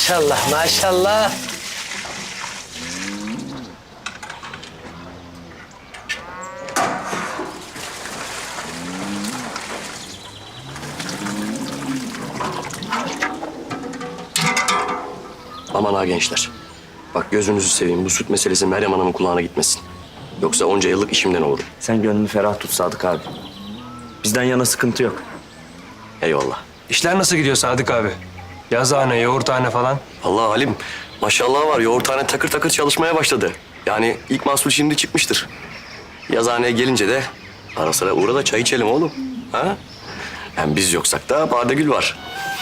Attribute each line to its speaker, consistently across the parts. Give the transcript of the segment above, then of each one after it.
Speaker 1: Maşallah, maşallah.
Speaker 2: Aman ha gençler. Bak gözünüzü seveyim, bu süt meselesi Meryem Hanım'ın kulağına gitmesin. Yoksa onca yıllık işimden olurum.
Speaker 3: Sen gönlünü ferah tut Sadık abi. Bizden yana sıkıntı yok.
Speaker 2: Eyvallah.
Speaker 4: İşler nasıl gidiyor Sadık abi? Yazıhane, yoğurthane falan.
Speaker 2: Allah Halim, maşallah var. Yoğurthane takır takır çalışmaya başladı. Yani ilk mahsul şimdi çıkmıştır. Yazıhaneye gelince de ara sıra uğra da çay içelim oğlum. Ha? Hem biz yoksak da Badegül var.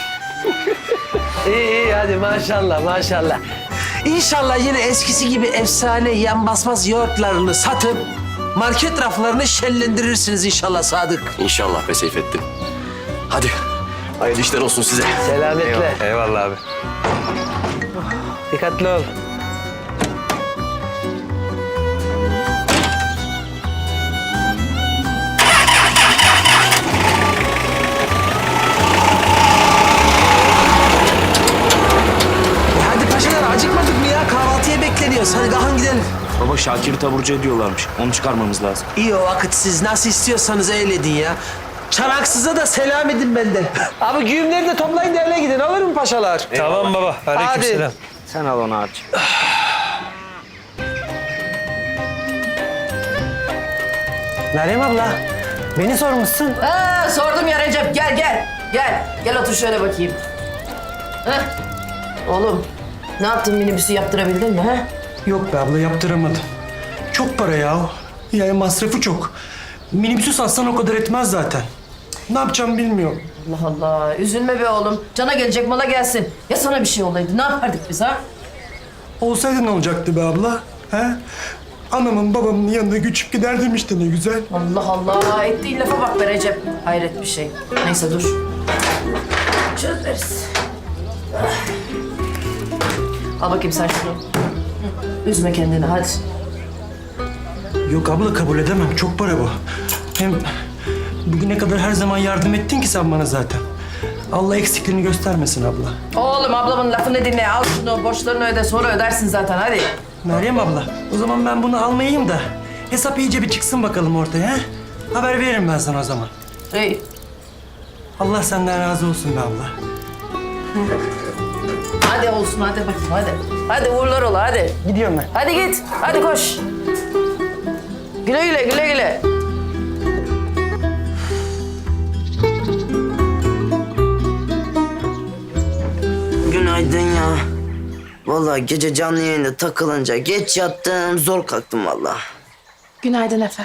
Speaker 1: İyi hadi maşallah, maşallah. İnşallah yine eskisi gibi efsane yan basmaz yoğurtlarını satıp market raflarını şenlendirirsiniz inşallah Sadık.
Speaker 2: İnşallah be Seyfettin. Hadi, hayırlı işler olsun size.
Speaker 1: Selametle.
Speaker 4: Eyvallah abi.
Speaker 1: Dikkatli ol. Hadi paşalar acıkmadık mı ya? Kahvaltıya bekleniyoruz. Hadi kalkın gidelim.
Speaker 3: Baba Şakir'i taburcu ediyorlarmış. Onu çıkarmamız lazım.
Speaker 1: İyi o vakit siz nasıl istiyorsanız öyle edin ya. Çanaksız'a da selam edin benden. Abi güğümleri de toplayın derle gidin. Olur mu paşalar?
Speaker 4: Tamam baba. Aleykümselam.
Speaker 3: Sen al onu abiciğim.
Speaker 1: Meryem abla, beni sormuşsun.
Speaker 5: Sordum ya Recep. Gel gel. Gel. Gel otur şöyle bakayım. Heh. Oğlum ne yaptın, minibüsü yaptırabildin mi? He?
Speaker 6: Yok be abla yaptıramadım. Çok para ya. Yani masrafı çok. Minibüsü satsan o kadar etmez zaten. Ne yapacağım bilmiyorum.
Speaker 5: Allah Allah. Üzülme be oğlum. Cana gelecek mala gelsin. Ya sana bir şey olaydı ne yapardık biz ha?
Speaker 6: Olsaydı ne olacaktı be abla? He? Anamın babamın yanına göçüp giderdim işte ne güzel.
Speaker 5: Allah Allah. Ettiğin lafa bak be Recep. Hayret bir şey. Neyse dur. Çözeriz. Al bakayım sen şunu. Üzme kendini hadi.
Speaker 6: Yok abla kabul edemem. Çok para bu. Hem bugüne kadar her zaman yardım ettin ki sen bana zaten. Allah eksikliğini göstermesin abla.
Speaker 5: Oğlum ablamın lafını dinle. Al şunu, borçlarını öde. Sonra ödersin zaten hadi.
Speaker 6: Meryem abla o zaman ben bunu almayayım da hesap iyice bir çıksın bakalım ortaya. He? Haber veririm ben sana o zaman.
Speaker 5: İyi.
Speaker 6: Allah senden razı olsun be abla.
Speaker 5: Hadi olsun hadi bakayım hadi. Hadi uğurlar ola hadi.
Speaker 6: Gidiyorum ben.
Speaker 5: Hadi git. Hadi koş. Güle güle güle güle.
Speaker 7: Günaydın ya. Vallahi gece canlı yayında takılınca geç yattım, zor kalktım vallahi.
Speaker 8: Günaydın Efe.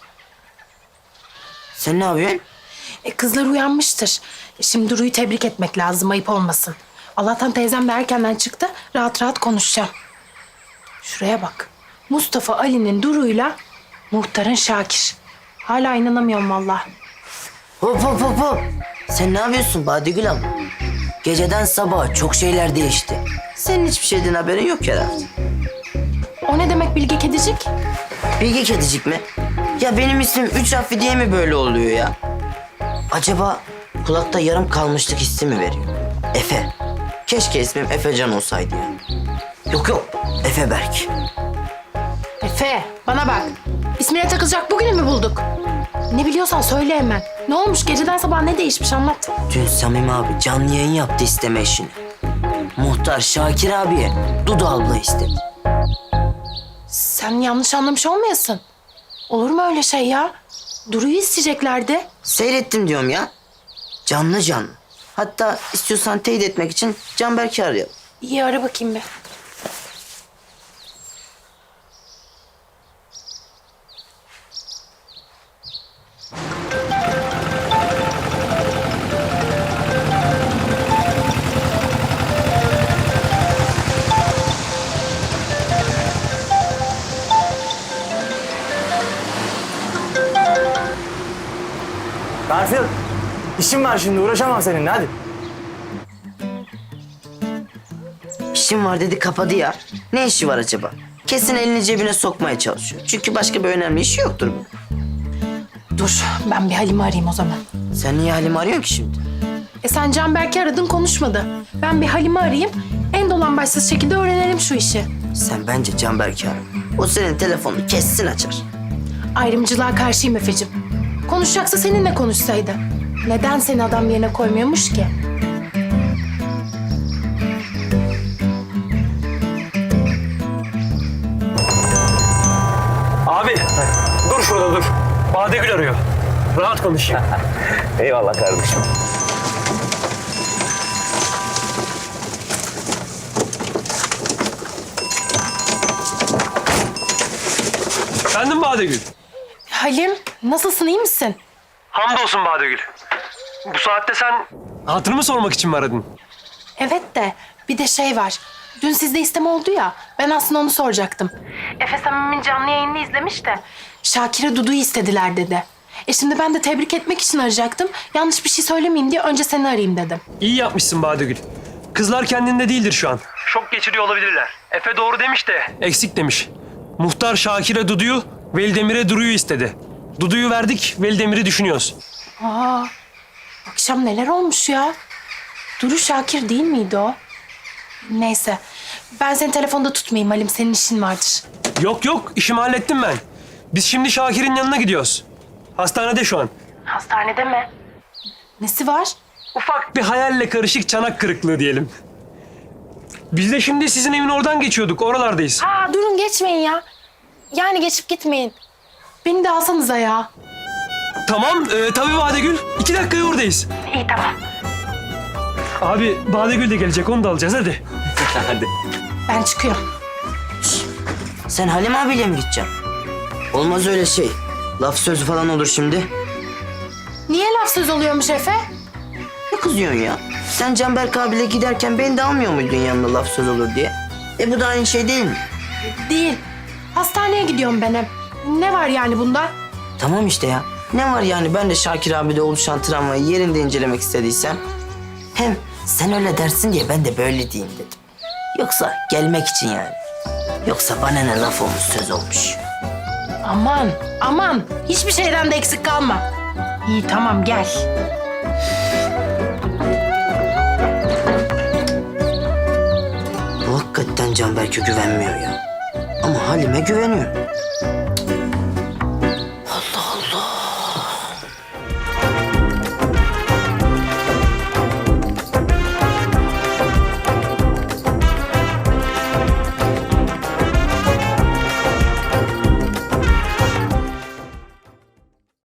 Speaker 7: Sen ne yapıyorsun?
Speaker 8: Kızlar uyanmıştır. Şimdi Duru'yu tebrik etmek lazım, ayıp olmasın. Allah'tan teyzem de erkenden çıktı, rahat rahat konuşacağım. Şuraya bak. Mustafa Ali'nin Duru'yla muhtarın Şakir. Hala inanamıyorum vallahi.
Speaker 7: Hop hop hop hop. Sen ne yapıyorsun Badegül abla? Geceden sabaha çok şeyler değişti. Senin hiçbir şeyden haberin yok herhalde.
Speaker 8: O ne demek Bilge Kedicik?
Speaker 7: Bilge Kedicik mi? Ya benim ismim 3 harfli diye mi böyle oluyor ya? Acaba kulakta yarım kalmışlık hissi mi veriyor? Efe. Keşke ismim Efecan olsaydı ya. Yok yok, Efe Berk.
Speaker 8: Efe, bana bak. İsmine takılacak bugünü mü bulduk? Ne biliyorsan söyle hemen. Ne olmuş, geceden sabah ne değişmiş anlat.
Speaker 7: Dün Samim abi canlı yayın yaptı isteme işini. Muhtar Şakir abiye Dudu abla istedi.
Speaker 8: Sen yanlış anlamış olmayasın. Olur mu öyle şey ya? Duru'yu isteyeceklerdi.
Speaker 7: Seyrettim diyorum ya. Canlı canlı. Hatta istiyorsan teyit etmek için Canberk'i arayalım.
Speaker 8: İyi ara bakayım bir.
Speaker 3: Garfield, işim var şimdi. Uğraşamam seninle. Hadi.
Speaker 7: İşim var dedi kapadı ya. Ne işi var acaba? Kesin elini cebine sokmaya çalışıyor. Çünkü başka bir önemli işi yoktur bu.
Speaker 8: Dur, ben bir Halim'i arayayım o zaman.
Speaker 7: Sen niye Halim arıyorsun ki şimdi?
Speaker 8: Sen Canberk'i aradın konuşmadı. Ben bir Halim'i arayayım. En dolan başsız şekilde öğrenelim şu işi.
Speaker 7: Sen bence Canberk'i ara. O senin telefonunu kessin açar.
Speaker 8: Ayrımcılığa karşıyım Efe'cim. Konuşacaksa seninle konuşsaydı. Neden seni adam yerine koymuyormuş ki?
Speaker 4: Abi dur şurada dur. Badegül arıyor. Rahat konuşayım.
Speaker 3: Eyvallah kardeşim.
Speaker 4: Efendim Badegül.
Speaker 8: Halim, nasılsın, iyi misin?
Speaker 4: Hamdolsun Badegül. Bu saatte sen... Hatırımı sormak için mi aradın?
Speaker 8: Evet de bir de şey var. Dün sizde isteme oldu ya. Ben aslında onu soracaktım. Efe Samim'in canlı yayını izlemiş de Şakir'e Dudu'yu istediler dedi. Şimdi ben de tebrik etmek için arayacaktım. Yanlış bir şey söylemeyeyim diye önce seni arayayım dedim.
Speaker 4: İyi yapmışsın Badegül. Kızlar kendinde değildir şu an. Şok geçiriyor olabilirler. Efe doğru demiş de. Eksik demiş. Muhtar Şakir'e Dudu'yu, Velidemir'e Duru'yu istedi. Dudu'yu verdik, Velidemir'i düşünüyoruz.
Speaker 8: Aa, akşam neler olmuş ya? Duru Şakir değil miydi o? Neyse. Ben seni telefonda tutmayayım Halim. Senin işin vardır.
Speaker 4: Yok yok, işimi hallettim ben. Biz şimdi Şakir'in yanına gidiyoruz. Hastanede şu an.
Speaker 8: Hastanede mi? Nesi var?
Speaker 4: Ufak bir hayalle karışık çanak kırıklığı diyelim. Biz de şimdi sizin evin oradan geçiyorduk, oralardayız.
Speaker 8: Aa, durun geçmeyin ya. Yani geçip gitmeyin. Beni de alsanıza ya.
Speaker 4: Tamam, tabii Badegül. 2 dakikaya oradayız.
Speaker 8: İyi tamam.
Speaker 4: Abi Badegül de gelecek, onu da alacağız hadi.
Speaker 2: Hadi.
Speaker 8: Ben çıkıyorum.
Speaker 7: Sen Halim abiyle mi gideceksin? Olmaz öyle şey. Laf sözü falan olur şimdi.
Speaker 8: Niye laf söz oluyormuş Efe?
Speaker 7: Ne kızıyorsun ya? Sen Canberk abiyle giderken beni de almıyor muydun yanına laf söz olur diye? Bu da aynı şey değil mi?
Speaker 8: Değil. Hastaneye gidiyorum ben hep. Ne var yani bunda?
Speaker 7: Tamam işte ya. Ne var yani ben de Şakir abide oluşan travmayı yerinde incelemek istediysem. Hem sen öyle dersin diye ben de böyle diyeyim dedim. Yoksa gelmek için yani. Yoksa bana ne laf olmuş söz olmuş.
Speaker 8: Aman, aman. Hiçbir şeyden de eksik kalma. İyi tamam gel.
Speaker 7: Bu hakikaten Canberk'e güvenmiyor ya. Ama Halim'e güveniyor.